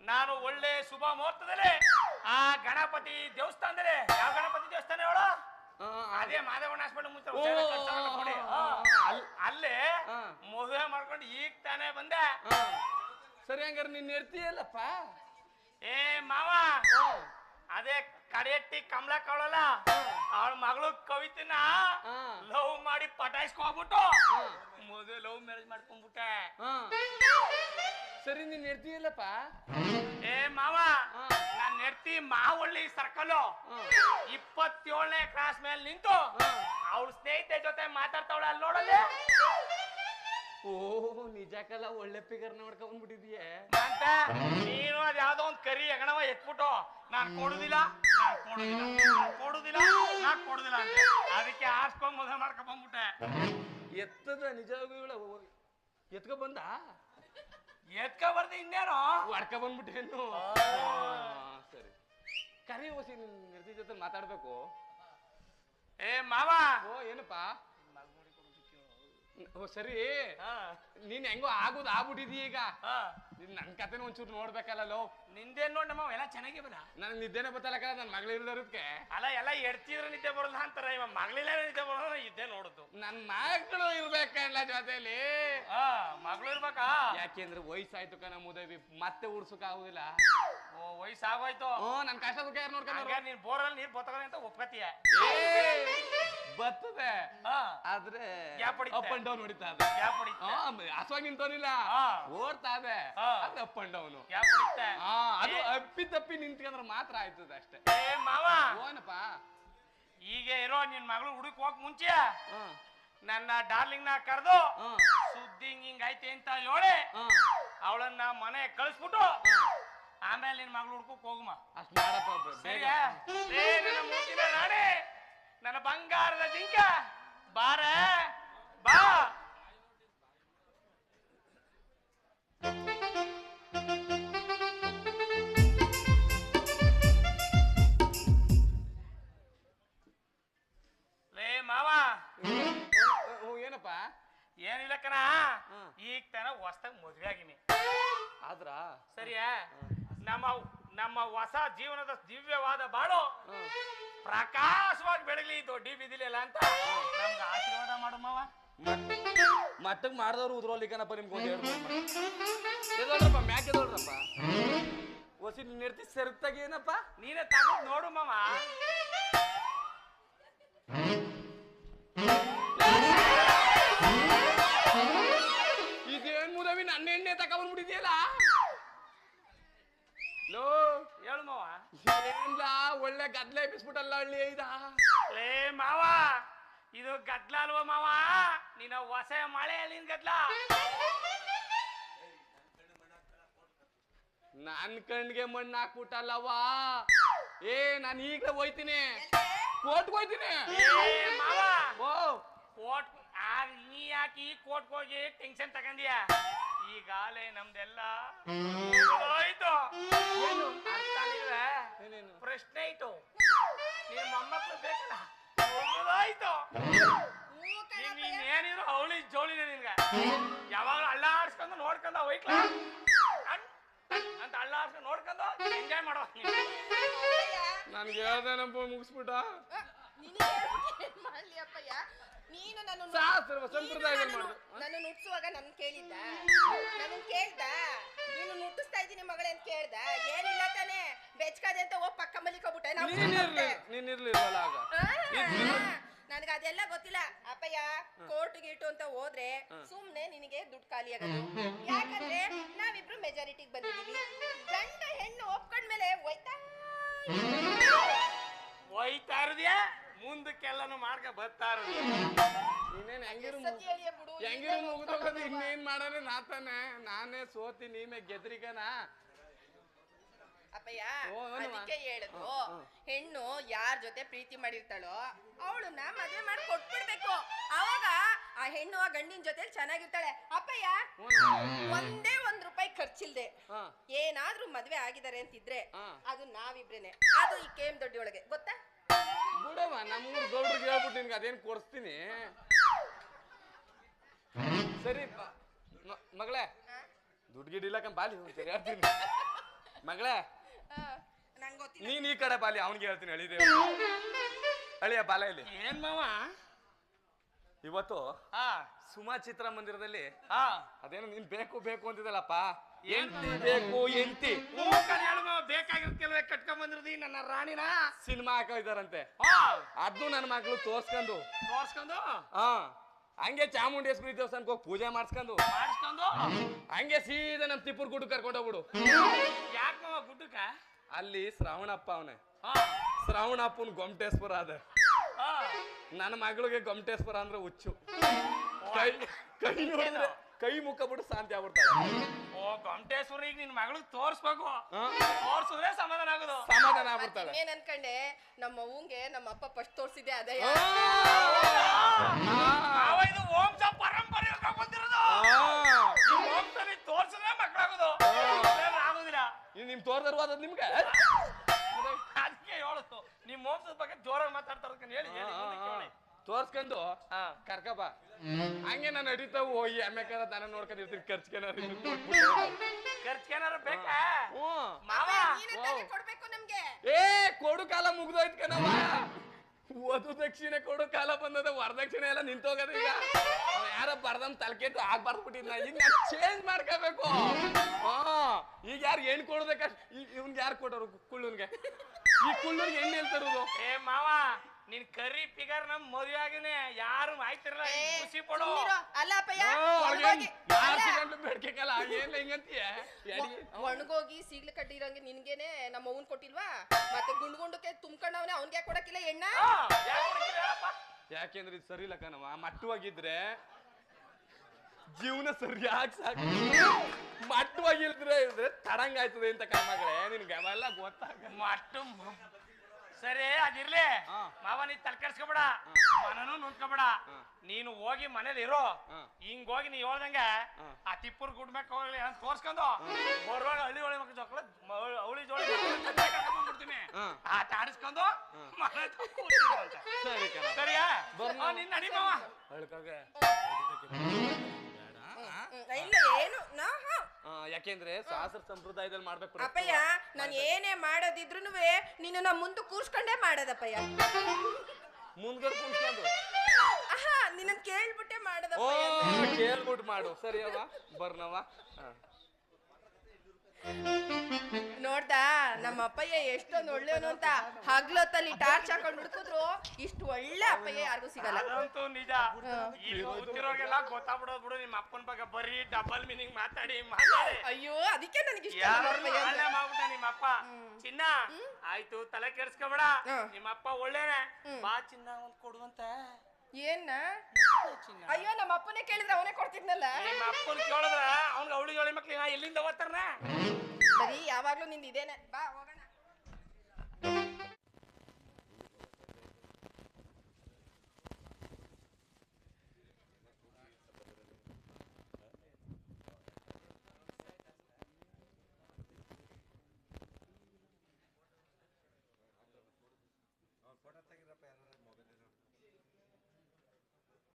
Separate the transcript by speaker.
Speaker 1: ನಾನು ಒಳ್ಳೆ ಶುಭ ಮುಹೂರ್ತದಲ್ಲಿ ಆ ಗಣಪತಿ ದೇವಸ್ಥಾನದಲ್ಲಿ ಯಾವ ಗಣಪತಿ ದೇವಸ್ಥಾನ ಹೇಳು ಅದೇ ಮಾದೇವಣ್ಣ ಹಾಸ್ಪಿಟಲ್ ಮುಂಚೆ ಅಲ್ಲೇ ಮದುವೆ ಮಾಡ್ಕೊಂಡು ಈಗ ತಾನೇ ಬಂದೆ.
Speaker 2: ಸರಿ ಹಂಗಾರೆ ನೀನ್ ಇರ್ತೀಯಲ್ಲಪ್ಪ.
Speaker 1: ಏ ಮಾವ ಅದೇ ಕಡೆಯಟ್ಟಿ ಕಮಲ ಕವಳಲ್ಲ ಅವಳ ಮಗಳು ಕವಿತನ ಲವ್ ಮಾಡಿ ಪಟಾಯಿಸ್ಕೊಂಡ್ಬಿಟ್ಟು ಮದುವೆ ಲವ್ ಮ್ಯಾರೇಜ್ ಮಾಡ್ಕೊಂಡ್ಬಿಟ್ಟೆ.
Speaker 2: ಸರಿ ನೀನ್ ಇರ್ತೀಯಲ್ಲಪ್ಪ.
Speaker 1: ಏ ಮಾವ ನಾನ್ ನೆಡ್ತಿ ಮಾವಳ್ಳಿ ಸರ್ಕಲ್ 27ನೇ ಕ್ರಾಸ್ ಮೇಲೆ ನಿಂತು ಅವಳ ಸ್ನೇಹಿತೆ ಜೊತೆ ಮಾತಾಡ್ತಾವಳ ಅಲ್ಲಿ ನೋಡಲ್ಲಿ.
Speaker 2: ಓಹ್ ನಿಜಕ್ಕಲ್ಲ ಒಳ್ಳೆ ಫಿಗರ್ ನೋಡ್ಕೊಂಡ್ ಬಂದ್ಬಿಟ್ಟಿದೀಯ
Speaker 1: ಅಂತ. ನೀನು ಅದ್ ಯಾವ್ದೋ ಒಂದ್ ಕರಿ ಹೆಗಣವ ಎತ್ಬಿಟ್ಟು ನಾನ್ ಕೊಡುದಿಲ್ಲ ಅಂತ ಅದಕ್ಕೆ ಆರ್ಸ್ಕೊಂಡ್ ಮದುವೆ ಮಾಡ್ಕೊಂಡ್ ಬಂದ್ಬಿಟ್ಟೆ.
Speaker 2: ಎತ್ತದ ನಿಜವಾಗ್ಲೂ ಎತ್ಕೊ ಬಂದ
Speaker 1: ಬರ್ದು ಇನ್ನೇನು
Speaker 2: ಹೊಡ್ಕ ಬಂದ್ಬಿಟ್ಟೇನು. ಸರಿ ಕರಿ ಓಸಿ ನಿನ್ ನಿರ್ತಿ ಜೊತೆ ಮಾತಾಡ್ಬೇಕು.
Speaker 1: ಏ ಮಾವ.
Speaker 2: ಓ ಏನಪ್ಪಾ. ಓ ಸರಿ ನೀನ್ ಹೆಂಗೋ ಆಗೋದು ಆಗ್ಬಿಟ್ಟಿದೀಯ ಈಗ. ನನ್ ಕತೆನ ಒಂಚೂರು ನೋಡ್ಬೇಕಲ್ಲ.
Speaker 1: ನಿಂದೇನ್ ನೋಡ್ ನಮ್ಮ ಎಲ್ಲ ಚೆನ್ನಾಗಿ ಬರ.
Speaker 2: ನನ್ ನಿದ್ದೆನೆ ಬತ್ತಲಕ್ಕ ನನ್ ಮಗಳಿರೋದಕ್ಕೆ.
Speaker 1: ಅಲ್ಲ ಎಲ್ಲ ಎಡ್ತಿದ್ರೆ ನಿದ್ದೆ ಬರೋಲ್ಲ ಅಂತಾರ, ಇವ ಮಗಳಿಲ್ಲ ನಿದ್ದೆ ಬರೋಲ್ಲ ಇದ್ದೇ ನೋಡುದು.
Speaker 2: ನನ್ ಮಗಳು ಇರ್ಬೇಕಲ್ಲ ಜೊತೆಲಿ.
Speaker 1: ಮಗಳು ಇರ್ಬೇಕಾ?
Speaker 2: ಯಾಕೆಂದ್ರೆ ವಯಸ್ಸಾಯ್ತು ಕಣ ಮುದವಿ, ಮತ್ತೆ ಉಡ್ಸಕ್ ಆಗುದಿಲ್ಲ.
Speaker 1: ಓ ವಯಸ್ಸಾಗೋಯ್ತು.
Speaker 2: ನನ್ ಕಷ್ಟ ಸುಖ ಯಾರು ನೋಡ್ಕೊಂಡ.
Speaker 1: ನೀನ್ ಬೋರಲ್ಲಿ ನೀರ್ ಬತ್ತಗಲ್ಲ ಅಂತ ಒಪ್ಕತಿಯ.
Speaker 2: ಬರ್ತದೆ ಆದ್ರೆ ಅಪ್ ಅಂಡ್ ಡೌನ್ ಹೊಡಿತಾ ಹಸುವಾಗಿ ನಿಂತವನಿಲ್ಲ, ಓಡ್ತಾ ಇದೆ ಅಪ್ ಅಂಡ್ ಡೌನ್. ಅದು ಅಪ್ಪಿ ತಪ್ಪಿ ನಿಂತ್ಕೊಂಡ್ರೆ ಮಾತ್ರ ಆಯ್ತದ ಅಷ್ಟೇ.
Speaker 1: ಮಾವ
Speaker 2: ಓನಪ್ಪ
Speaker 1: ಈಗ ಇರೋ ನಿನ್ ಮಗಳು ಹುಡುಕ್ ಹೋಗಕ್ ಮುಂಚೆ ನನ್ನ ಡಾರ್ಲಿಂಗ್ ನ ಕರೆದು ಸುದ್ದಿ ಹಿಂಗ್ ಐತೆ ಅಂತ ಹೇಳಿ ಅವಳನ್ನ ಮನೆ ಕಳಿಸ್ಬಿಟ್ಟು ಆಮೇಲೆ ನಿನ್ ಮಗಳು ಹುಡ್ಕಕ್ ಹೋಗಮ್ಮ.
Speaker 2: ಅಷ್ಟ್ ಮಾಡಪ್ಪ
Speaker 1: ಸರಿಯಾ? ನನ್ನ ಮೂತಿನ ರಾಣಿ, ನನ್ನ ಬಂಗಾರದ ಜಿಂಕ ಬಾರ ಬಾ. ಲೇ ಮಾವ.
Speaker 2: ಏನಪ್ಪ?
Speaker 1: ಏನಿಲ್ಲ ಕಣ, ಈಗ ತನ ಹೊಸ್ತಾಗ ಮದ್ವೆ ಆಗಿನಿ.
Speaker 2: ಆದ್ರ
Speaker 1: ಸರಿಯಾ? ನಮ್ಮ ಹೊಸ ಜೀವನದ ದಿವ್ಯವಾದ ಬಾಳು ಪ್ರಕಾಶವಾಗಿ ಬೆಳಗ್ಲಿ ದೊಡ್ಡಿ ಬಿದಿಲಿಲ್ಲ ಅಂತ ನಮ್ಗೆ ಆಶೀರ್ವಾದ ಮಾಡು ಮಾವ.
Speaker 2: ಮಟ್ಟಕ್ ಮಾಡ್ದವ್ರು ಉದ್ರೋಲಿಕ್ಕನಪ್ಪ ನಿಮ್ಗೆ ಎದೋಳ್ರಪ್ಪ ಮ್ಯಾಕ್ ಎದೋಳ್ರಪ್ಪ. ಹೊಸಿ ನಿರ್ತಿ ಸೆರ್ತಾಗ ಏನಪ್ಪ
Speaker 1: ನೀನೇ ತಗೊಂಡ್ ನೋಡು ಮಾವ.
Speaker 2: ಇದೇನ್ ಮುದವಿ ನನ್ನ ಎಣ್ಣೆ ತಗೊಂಡ್ಬಿಟ್ಟಿದ್ಯಲ್ಲ. ಲೋ
Speaker 1: ಹೇಳು ಮಾವ.
Speaker 2: ಏನ್ಲ ಒಳ್ಳೆ ಗದ್ಲೆ ಎಬ್ಬಿಸ್ಬಿಟ್ಟಲ್ಲ ಹಳ್ಳಿ ಐದ.
Speaker 1: ಲೇ ಮಾವ ಇದು ಗದ್ಲ ಅಲ್ವ ಮಾವ, ನೀನ ಹೊಸ ಮಳೆ ಅಲ್ಲಿನ ಗದ್ಲ.
Speaker 2: ನನ್ ಕಣ್ಣಿಗೆ ಮಣ್ಣು ಹಾಕ್ಬಿಟ್ಟಲ್ಲವಾ. ನಾನು ಈಗಲೇ ಹೋಯ್ತೀನಿ, ಕೋರ್ಟ್ಗೆ ಹೋಯ್ತೀನಿ.
Speaker 1: ಮಾವ
Speaker 2: ಓ
Speaker 1: ಕೋರ್ಟ್ ನೀ ಯಾಕೆ ಈ ಕೋರ್ಟ್ ಹೋಗಿ ಟೆನ್ಷನ್ ತಗೊಂಡಿಯ? ಈಗಾಲೇ ನಮ್ದೆಲ್ಲ ಹೋಯ್ತು. ಪ್ರಶ್ನೆ ಆಯ್ತು, ನಿನ್ ಮೊಮ್ಮಕ್ಳು ಬೇಕಲ್ಲ ಆಯ್ತು. ನೀನೇನಿದ್ರು ಅವಳಿ ಜೋಳಿನ ನಿನ್ಗ ಯಾವಾಗ್ಲೂ ಅಳ್ಳಾಡ್ಸ್ಕೊಂಡು ನೋಡ್ಕೊಂಡ ಹೋಯ್ಕ್ಲ ಅಂತ ಅಳ್ಳಾಡ್ಸ್ಕೊಂಡು ನೋಡ್ಕೊಂಡು ಎಂಜಾಯ್ ಮಾಡೋ.
Speaker 2: ನನ್ಗೆ ಹೇಳ್ದೇನಪ್ಪ ಮುಗಿಸ್ಬಿಟ್ಟ.
Speaker 3: ನೀನು ನನ್ನ ನುಟ್ಸುವಾಗ ನನ್ ಕೇಳ್ದ ನೀನು ನುಟ್ಟಿಸ್ತಾ ಇದ್ದೀನಿ ಮಗಳೇ ಅಂತ ಕೇಳ್ದ. ಏನಿಲ್ಲ ತಾನೆ ಬೆಚ್ಕಾದೆ ಅಂತ ಹೋಗ್ ಪಕ್ಕ ಮಲಿಕೋಬಿಟ್ಟೆ. ನನ್ಗ ಅದೆಲ್ಲ ಗೊತ್ತಿಲ್ಲ ಅಪ್ಪಯ್ಯ. ಕೋರ್ಟ್ ಗೀಟು ಅಂತ ಹೋದ್ರೆ ಸುಮ್ನೆ ನಿನಗೆ ದುಡ್ಡು ಖಾಲಿ ಆಗೋದು. ಯಾಕಂದ್ರೆ ನಾವಿಬ್ರು ಮೆಜಾರಿಟಿಗೆ ಬಂದಿದೀವಿ. ಗಂಡ ಹೆಣ್ಣು ಒಪ್ಕೊಂಡ್ಮೇಲೆ
Speaker 1: ಹೋಯ್ತಾ ಇರೋದ್ಯಾ ಮುಂದಕ್ಕೆಲ್ಲಾನು ಮಾಡ್ಕ ಬರ್ತಾ ಇರೋದು.
Speaker 2: ಇನ್ನೇನ್ ಹೆಂಗಿರು ಮುಗಿದೋಗೋದು. ಇನ್ನೇನ್ ಮಾಡೋಣ ನಾತಾನೆ. ನಾನೇ ಸೋತಿ ನೀಮೆ ಗೆದ್ರಿಗನ
Speaker 3: ಅಪ್ಪಯ್ಯ. ಅದಕ್ಕೆ ಹೇಳುದು, ಹೆಣ್ಣು ಯಾರ ಜೊತೆ ಪ್ರೀತಿ ಮಾಡಿರ್ತಾಳೋ ಅವಳನ್ನ ಮದುವೆ ಮಾಡಿ ಕೊಟ್ಬಿಡ್ಬೇಕು. ಅವಾಗ ಆ ಹೆಣ್ಣು ಆ ಗಂಡಿನ ಜೊತೆ ಚೆನ್ನಾಗಿರ್ತಾಳೆ ಅಪ್ಪಯ್ಯ. ಒಂದೇ ₹1 ಖರ್ಚಿಲ್ದೆ ಏನಾದ್ರೂ ಮದ್ವೆ ಆಗಿದ್ದಾರೆ ಅಂತಿದ್ರೆ ಅದು ನಾವಿಬ್ರೇನೆ. ಅದು ಈ KM ದೊಡ್ಡಿ ಒಳಗೆ ಗೊತ್ತಾ?
Speaker 2: ಬಿಡವ ನಮ್ಮೂರ್ ಗೌಡ್ರಿಗೆ ಹೇಳ್ಬಿಟ್ಟು ನಿನ್ಗೆ ಅದೇನ್ ಕೊಡಿಸ್ತೀನಿ. ಸರಿ ಮಗಳೇ ದುಡ್ಡು ಗಿಡ್ ಇಲ್ಲ ಬಾಲಿ ಹೇಳ್ತೀನಿ. ಮಗಳೇ
Speaker 3: ನಂಗೆ ಗೊತ್ತಿಲ್ಲ.
Speaker 2: ನೀನ್ ಈ ಕಡೆ ಬಾಲಿ ಅವನಿಗೆ ಹೇಳ್ತೀನಿ ಅಳಿದೆ ಅಳಿಯ ಬಾಲ ಇಲ್ಲಿ.
Speaker 1: ಏನ್ ಮಾವ
Speaker 2: ಇವತ್ತು
Speaker 1: ಹಾ
Speaker 2: ಸುಮಾ ಚಿತ್ರಮಂದಿರದಲ್ಲಿ
Speaker 1: ಹಾ
Speaker 2: ಅದೇನೋ ನೀನ್ ಬೇಕು ಬೇಕು ಅಂತಿದ್ದಲ್ಲಪ್ಪ. ಎಂತಿ ಬೇಕು ಎಂತಿ
Speaker 1: ಬೇಕಾಗಿರ್ತಿಲ್ವೇ ಕಟ್ಕೊಂಡ್ ಬಂದಿರ್ದಿ ನನ್ನ ರಾಣಿನ
Speaker 2: ಸಿನಿಮಾ ಹಾಕೋ ಇದಾರಂತೆ. ಅದ್ನು ನನ್ನ ಮಗಳು ತೋರ್ಸ್ಕೊಂಡು ಹಾ ಹಂಗೆ ಚಾಮುಂಡೇಶ್ವರಿ ದೇವಸ್ಥಾನಕ್ಕೆ ಹೋಗಿ ಪೂಜೆ ಮಾಡಿಸ್ಕೊಂಡು ಹಂಗೆ ಸೀದಾ ನಮ್ ತಿಪ್ಪೂರ್ ಗುಡ್ಡ ಕರ್ಕೊಂಡು ಹೋಗ್ಬಿಡು.
Speaker 1: ಯಾಕ ಮಾವ ಗುಡ್ಡಕ್ಕ?
Speaker 2: ಅಲ್ಲಿ ಶ್ರಾವಣಪ್ಪ ಅವನೇ. ಶ್ರಾವಣಪ್ಪನ ಗೊಮಟೇಶ್ವರ ಅದ. ನನ್ನ ಮಗಳಿಗೆ ಗೊಮಟೇಶ್ವರ ಅಂದ್ರೆ ಹುಚ್ಚು. ಕೈ ಕೈ ನೋಡಿದ್ರೆ ಕೈ ಮುಖ ಬಿಟ್ಟು ಶಾಂತಿ ಆಗ್ಬಿಡ್ತಾಳೆ.
Speaker 1: ಓ ಗೊಮಟೇಶ್ವರಿಗೆ ನಿನ್ ಮಗಳಿಗೆ ತೋರ್ಸ್ಬೇಕು. ತೋರ್ಸಿದ್ರೆ ಸಮಾಧಾನ ಆಗೋದು.
Speaker 2: ಸಮಾಧಾನ ಆಗ್ಬಿಡ್ತಾಳೆ.
Speaker 3: ಏನ್ ಅನ್ಕಂಡೆ ನಮ್ಮ ಅವ್ವಂಗೆ ನಮ್ಮ ಅಪ್ಪ ಫಸ್ಟ್ ತೋರ್ಸಿದ್ದೆ ಅದೇ.
Speaker 1: ಇದು ವಂಶ ಪರಂಪರೆ ಬಂದಿರೋದು. ವಂಶದಲ್ಲಿ ತೋರ್ಸಿದ್ರೆ ಮಕ್ಕಳಾಗೋದು ಆಗೋದಿಲ್ಲ.
Speaker 2: ನಿಮ್ ತೋರ್ದರು ಅದ್ ನಿಮ್ಗೆ
Speaker 1: ಅದಕ್ಕೆ ಹೇಳುದು ನಿಮ್ ವಂಶದ ಬಗ್ಗೆ ಜೋರಾಗಿ ಮಾತಾಡ್ತಾರ ಹೇಳಿ.
Speaker 2: ತೋರ್ಸ್ಕೊಂಡು ಕರ್ಕಬ ಹಂಗೆ ನಾನು ನಡೀತಾವು ಈ ಅಮ್ಮೆಕಾರ ದನ ನೋಡ್ಕೊಂಡಿರ್ತೀನಿ.
Speaker 1: ಖರ್ಚ್ಕೇನಾರ ಬೇಕಾ?
Speaker 3: ಕೊಡ್ಬೇಕು ನಮ್ಗೆ.
Speaker 2: ಏ ಕೊಡು ಕಾಲ ಮುಗ್ದೋಯ್ತು ಕಣವ. ವಧು ದಕ್ಷಿಣೆ ಕೊಡು ಕಾಲ ಬಂದದ. ವರದಕ್ಷಿಣೆ ಎಲ್ಲ ನಿಂತೋಗದ. ಈಗ ಯಾರ ಬರ್ದಮ್ ತಲೆಕೆಟ್ಟು ಆಗ್ಬಾರ್ದ್ಬಿಟ್ಟಿದ್ನ. ಈಗ ನಾನು ಚೇಂಜ್ ಮಾಡ್ಕೋಬೇಕು. ಈಗ ಯಾರು ಹೆಣ್ಣು ಕೊಡ್ಬೇಕಷ್ಟ. ಇವ್ನ್ಗೆ ಯಾರು ಕೊಟ್ಟರು? ಕುಳ್ಳುನ್ಗೆ. ಈ ಕುಳ್ಳೂರ್ಗೆ ಹೆಣ್ಣು ಹೇಳ್ತಾರದು.
Speaker 1: ಏ ಮಾವ ನಿನ್ ಕರಿ ಫಿಗರ್ ನಮ್ ಮದುವೆ ಆಗಿನೇ ಯಾರು ಆಯ್ತಿರಲ್ಲ. ಖುಷಿ ಪಡೋ.
Speaker 3: ಅಲ್ಲ ಅಪ್ಪಯ್ಯ
Speaker 2: ಬೇಡ್ಕಲ್ಲ ಏನ್ ಹಿಂಗಂತೀಯ?
Speaker 3: ಒಣಗೋಗಿ ಸೀಗ್ಲು ಕಟ್ಟಿರಂಗೆ ನಿನ್ಗೇನೆ ನಮ್ಮ ಅವ್ನ್ ಕೊಟ್ಟಿಲ್ವಾ? ಮತ್ತೆ ಗುಂಡು ಗುಂಡಕ್ಕೆ ತುಂಬ್ಕೊಂಡವನೆ ಅವ್ನ್ಗೆ ಕೊಡಕ್ಕಿಲ್ಲ ಎಣ್ಣ?
Speaker 2: ಯಾಕೆಂದ್ರೆ ಇದು ಸರಿ ಇಲ್ಲ ಕಣವ. ಮಟ್ಟವಾಗಿದ್ರೆ ಜೀವನ ಸರಿಯಾಗಿ ಸಾಕು. ಮಟ್ಟವಾಗಿಲ್ದ್ರೆ ಇದ್ರೆ ತಡಂಗಾಯ್ತದೆ ಅಂತ ಕಣ್ಮಗಳೇ. ನಿನ್ಗೆ ಅವೆಲ್ಲ ಗೊತ್ತಾಗ
Speaker 1: ಮಟ್ಟು ಸರಿ ಅದಿರ್ಲಿ ಮಾವ. ನೀ ತಲೆ ಕೆಡ್ಸ್ಕೊಬೇಡ, ಮನನು ನುಂದ್ಕೊಬೇಡ. ನೀನು ಹೋಗಿ ಮನೇಲಿ ಇರೋ. ಹಿಂಗ್ ಹೋಗಿ ನೀ ಹೇಳ್ದಂಗ ಆ ತಿಪ್ಪೂರ್ ಗುಡ್ ಮ್ಯಾಕ್ ಹೋಗ್ಲಿ ಅಂತ ತೋರ್ಸ್ಕೊಂಡು ಬರುವಾಗ ಹಳ್ಳಿ ಒಳ್ಳೆ ಮಕ್ಕಳು ಜೋಳ ಅವಳಿ ಜೋಳ ಬಿಡ್ತೀನಿ. ಆಟ ಆಡಿಸ್ಕೊಂಡು ಸರಿಯಾ? ನಿನ್ ನಡಿ ಮಾವ.
Speaker 3: ಏನು
Speaker 2: ಯಾಕೆಂದ್ರೆ ಶಾಸ್ತ್ರ ಸಂಪ್ರದಾಯದಲ್ಲಿ ಮಾಡ್ಬೇಕು
Speaker 3: ಅಪ್ಪಯ್ಯ. ನಾನ್ ಏನೇ ಮಾಡೋದಿದ್ರುನುವೆ ನೀನು ನಾ ಮುಂದೆ ಕೂರ್ಸ್ಕೊಂಡೇ ಮಾಡೋದಪ್ಪಯ್ಯ.
Speaker 2: ಮುಂದ್ಗಡೆ ಕೂರ್ಸ್ಕೊಂಡು
Speaker 3: ನಿನ್ನ ಕೇಳ್ಬಿಟ್ಟೆ ಮಾಡೋದಪ್ಪ.
Speaker 2: ಕೇಳ್ಬಿಟ್ಟು ಮಾಡು. ಸರಿ ಅವ ಬರ್ನವ.
Speaker 3: ನೋಡ್ದಾ ನಮ್ಮ ಅಪ್ಪಯ್ಯ ಎಷ್ಟೊಂದು ಒಳ್ಳೆಯವನು ಅಂತ. ಹಗ್ಲೊತ್ತಲ್ಲಿ ಟಾರ್ಚ್ ಹಾಕೊಂಡು ಹುಡುಕಿದ್ರು ಇಷ್ಟು ಒಳ್ಳೆ ಅಪ್ಪಯ್ಯ ಯಾರಿಗೂ ಸಿಗಲ್ಲ.
Speaker 1: ಅದಂತೂ ನಿಜ. ಗೊತ್ತಿರೋರ್ಗೆಲ್ಲ ಗೊತ್ತಾಗ್ಬಿಡೋದು ಬಿಡು. ನಿಮ್ಮ ಅಪ್ಪನ ಬಗ್ಗೆ ಬರೀ ಡಬಲ್ ಮೀನಿಂಗ್ ಮಾತಾಡಿ.
Speaker 3: ಅಯ್ಯೋ ಅದಕ್ಕೆ ನನಗೆ ಇಷ್ಟ.
Speaker 1: ಮಾಡ್ಬಿಟ್ಟ ನಿಮ್ಮ ಅಪ್ಪ. ಚಿನ್ನ ಆಯ್ತು ತಲೆ ಕೆಡ್ಸ್ಕೊಬೇಡ. ನಿಮ್ಮ ಅಪ್ಪ ಒಳ್ಳೆನೆ. ಬಾ ಚಿನ್ನ ಒಂದ್ ಕೊಡುವಂತ.
Speaker 3: ಏನ್ನ? ಅಯ್ಯೋ ನಮ್ಮ ಅಪ್ಪನೇ ಕೇಳಿದ್ರೆ ಅವನೇ ಕೊಡ್ತಿದ್ನಲ್ಲ.
Speaker 1: ನಿಮ್ಮ ಅಪ್ಪನ ಕೇಳಿದ್ರ ಅವ್ನಿಗೆ ಅವಳಿ ಜೋಳಿ ಮಕ್ಳು ಎಲ್ಲಿಂದ ಓದ್ತಾರ?
Speaker 3: ಬರೀ ಯಾವಾಗ್ಲೂ ನಿಂದ ಇದೇನೆ. ಬಾ